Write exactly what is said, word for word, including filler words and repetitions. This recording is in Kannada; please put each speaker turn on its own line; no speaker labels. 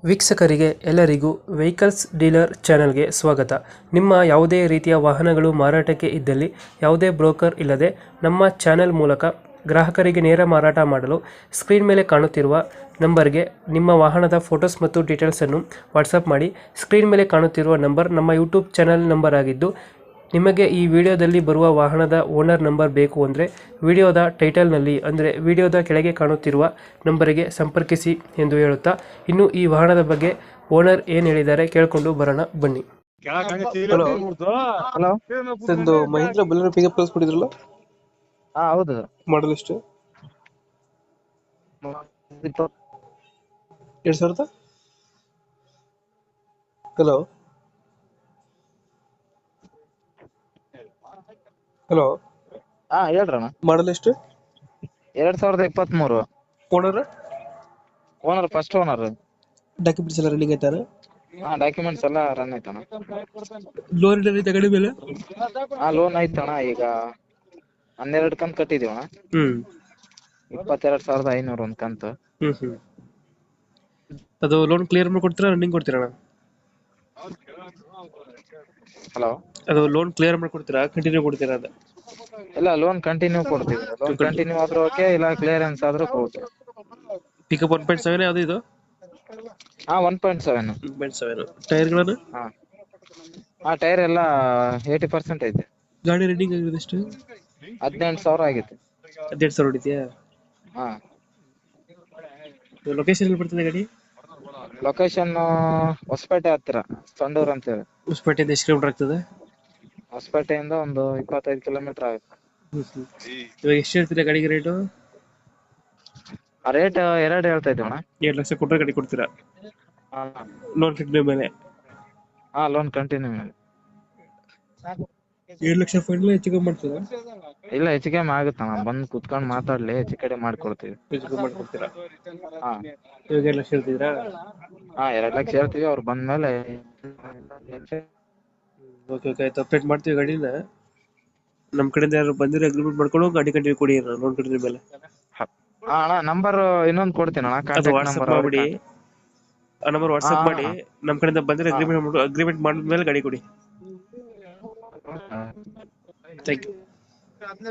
ವೀಕ್ಷಕರಿಗೆ ಎಲ್ಲರಿಗೂ ವೆಹಿಕಲ್ಸ್ ಡೀಲರ್ ಚಾನೆಲ್ಗೆ ಸ್ವಾಗತ. ನಿಮ್ಮ ಯಾವುದೇ ರೀತಿಯ ವಾಹನಗಳು ಮಾರಾಟಕ್ಕೆ ಇದ್ದಲ್ಲಿ ಯಾವುದೇ ಬ್ರೋಕರ್ ಇಲ್ಲದೆ ನಮ್ಮ ಚಾನೆಲ್ ಮೂಲಕ ಗ್ರಾಹಕರಿಗೆ ನೇರ ಮಾರಾಟ ಮಾಡಲು ಸ್ಕ್ರೀನ್ ಮೇಲೆ ಕಾಣುತ್ತಿರುವ ನಂಬರ್ಗೆ ನಿಮ್ಮ ವಾಹನದ ಫೋಟೋಸ್ ಮತ್ತು ಡೀಟೇಲ್ಸನ್ನು ವಾಟ್ಸಪ್ ಮಾಡಿ. ಸ್ಕ್ರೀನ್ ಮೇಲೆ ಕಾಣುತ್ತಿರುವ ನಂಬರ್ ನಮ್ಮ ಯೂಟ್ಯೂಬ್ ಚಾನೆಲ್ ನಂಬರ್ ಆಗಿದ್ದು, ನಿಮಗೆ ಈ ವಿಡಿಯೋದಲ್ಲಿ ಬರುವ ವಾಹನದ ಓನರ್ ನಂಬರ್ ಬೇಕು ಅಂದರೆ ವಿಡಿಯೋದ ಟೈಟಲ್ನಲ್ಲಿ ಅಂದರೆ ವಿಡಿಯೋದ ಕೆಳಗೆ ಕಾಣುತ್ತಿರುವ ನಂಬರಿಗೆ ಸಂಪರ್ಕಿಸಿ ಎಂದು ಹೇಳುತ್ತಾ, ಇನ್ನು ಈ ವಾಹನದ ಬಗ್ಗೆ ಓನರ್ ಏನು ಹೇಳಿದ್ದಾರೆ ಕೇಳಿಕೊಂಡು ಬರೋಣ ಬನ್ನಿ. Hello
hello.
ಒಂದು ಮಹೀಂದ್ರ ಬಲೆನೋ ಪಿಕಪ್ ಕಳಿಸ್ಕೊಟ್ಟಿದ್ರಲ್ಲ,
ಹಾ ಹೌದು.
ಮಾಡಲ್ ಎಷ್ಟು? ಎರಡು ಸಾವಿರದ ಹಲೋ ಹಲೋ
ಹಾ ಹೇಳ್ರಣ್ಣ.
ಮಾಡಲ್ ಎಷ್ಟು?
ಎರಡ್ ಸಾವಿರದ ಇಪ್ಪತ್ತ್ ಮೂರು.
Owner
owner first owner.
Documents ಎಲ್ಲ ರನ್ನಿಂಗ್ ಐತಾರೆ?
ಹಾ ಡಾಕ್ಯುಮೆಂಟ್ಸ್ ಎಲ್ಲ ರನ್ ಐತಣ್ಣ.
ಲೋನ್ ಐತೆ ಗಾಡಿ ಮೇಲೆ?
ಹಾ ಲೋನ್ ಐತಣ್ಣ. ಈಗ ಹನ್ನೆರಡು ಕಂತು ಕಟ್ಟಿದೀವಣ್ಣ.
ಹ್ಮ್
ಇಪ್ಪತ್ತೆರಡು ಸಾವಿರದ ಐನೂರು ಒಂದ್ ಕಂತು.
ಹ್ಮ್ ಹ್ಮ್ ಅದು ಲೋನ್ ಕ್ಲಿಯರ್ ಮಾಡಿ ಕೊಡ್ತೀರಾ, ರನ್ನಿಂಗ್ ಕೊಡ್ತೀರಾ?
ಹಲೋ.
ಅದು ಲೋನ್ ಕ್ಲಿಯರ್ ಮಾಡಿ ಕೊಡ್ತೀರಾ, ಕಂಟಿನ್ಯೂ ಕೊಡ್ತೀರಾ ಅಂತ?
ಇಲ್ಲ ಲೋನ್ ಕಂಟಿನ್ಯೂ ಕೊಡ್ತೀವಿ. ಲೋನ್ ಕಂಟಿನ್ಯೂ ಆದ್ರೂ ಓಕೆ, ಇಲ್ಲ ಕ್ಲಿಯರೆನ್ಸ್ ಆದ್ರೂ okay.
Pickup one point seven ಯಾವ್ದು ಇದು?
ಹಾ one point seven.
One point seven. ಟೈರ್ಗಳನ್ನು?
ಹಾ ಹಾ ಟೈರ್ ಎಲ್ಲ ಏಯ್ಟಿ ಪರ್ಸೆಂಟ್ ಐತೆ.
ಗಾಡಿ ರನ್ನಿಂಗ್ ಆಗಿದೆ ಎಷ್ಟು?
ಹದಿನೆಂಟು ಸಾವಿರ ಆಗಿತ್ತು.
ಹದಿನೆಂಟು ಸಾವಿರ ಹೊಡಿದ್ಯಾ?
ಹಾ
ಲೊಕೇಶನ್ ಎಲ್ಲಿ ಬರ್ತದೆ ಗಾಡಿ?
ಲೊಕೇಶನ್ ಹೊಸಪೇಟೆ ಹತ್ತಿರ, ಸಂಡೂರ್ ಅಂತ ಹೇಳಿ.
ಹೊಸಪೇಟೆಯಿಂದ ಎಷ್ಟು ಕಿಲೋಮೀಟರ್ ಆಗ್ತದೆ?
ಹೊಸಪೇಟೆಯಿಂದ ಒಂದು ಇಪ್ಪತ್ತೈದು ಕಿಲೋಮೀಟರ್ ಆಗುತ್ತೆ.
ಇವಾಗ ಎಷ್ಟು ಹೇಳ್ತೀರಾ ಗಾಡಿಗೆ ರೇಟು?
ಆ ರೇಟ್ ಎರಡು ಹೇಳ್ತಾ ಇದ್ದೀವಣ್ಣ.
ಎರಡು ಲಕ್ಷ ಕೊಟ್ಟರೆ ಗಾಡಿ ಕೊಡ್ತೀರಾ?
ಹಾ
ಲೋನ್ ಕಂಟಿನ್ಯೂ ಮೇಲೆ?
ಹಾ ಲೋನ್ ಕಂಟಿನ್ಯೂ ಮೇಲೆ.
ಎರಡು ಲಕ್ಷ ಫೈನಲ್ ಹೆಚ್ಚು ಕಮ್ಮಿ ಮಾಡ್ತೀರಾ?
ಇಲ್ಲ ಹೆಚ್ಚು ಕಮ್ಮಿ ಆಗುತ್ತಣ್ಣ, ಬಂದು ಕುತ್ಕೊಂಡು ಮಾತಾಡ್ಲಿ, ಹೆಚ್ಚು ಕಡೆ ಮಾಡ್ಕೊಡ್ತೀವಿ.
ಹೆಚ್ಚು ಕಮ್ಮಿ ಮಾಡ್ಕೊಡ್ತೀರಾ?
ಹಾ
ಇವಾಗ ಎರಡು ಲಕ್ಷ ಹೇಳ್ತಿದ್ದೀರಾ?
ಹಾ ಎರಡ್ ಲಕ್ಷ ಹೇಳ್ತೀವಿ, ಅವ್ರು ಬಂದ್ಮೇಲೆ.
ಓಕೆ ಓಕೆ ಆಯ್ತು, ಅಪ್ಡೇಟ್ ಮಾಡ್ತೀವಿ ಗಾಡಿನ. ನಮ್ಮ ಕಡೆಯಿಂದ ಯಾರು ಬಂದಿರೋ ಅಗ್ರಿಮೆಂಟ್ ಮಾಡ್ಕೊಂಡು ಗಾಡಿ ಕಂಟಿನ್ಯೂ ಕೊಡಿ ಲೋನ್ ಕಂಟಿನ್ಯೂ ಮೇಲೆ.
ಹಾ ಅಣ್ಣ ನಂಬರ್ ಇನ್ನೊಂದು ಕೊಡ್ತೀನಿ ಅಣ್ಣ,
ಅದು
ಕಾಂಟ್ಯಾಕ್ಟ್
ವಾಟ್ಸಪ್
ನಂಬರ್.
ಮಾಡ್ಬಿಡಿ, ಆ ನಂಬರ್ ವಾಟ್ಸಪ್ ಮಾಡಿ. ನಮ್ಮ ಕಡೆಯಿಂದ ಬಂದಿರೋ ಅಗ್ರಿಮೆಂಟ್ ಅಗ್ರಿಮೆಂಟ್ ಮಾಡಿದ್ಮೇಲೆ ಗಾಡಿ ಕೊಡಿ. Thank you.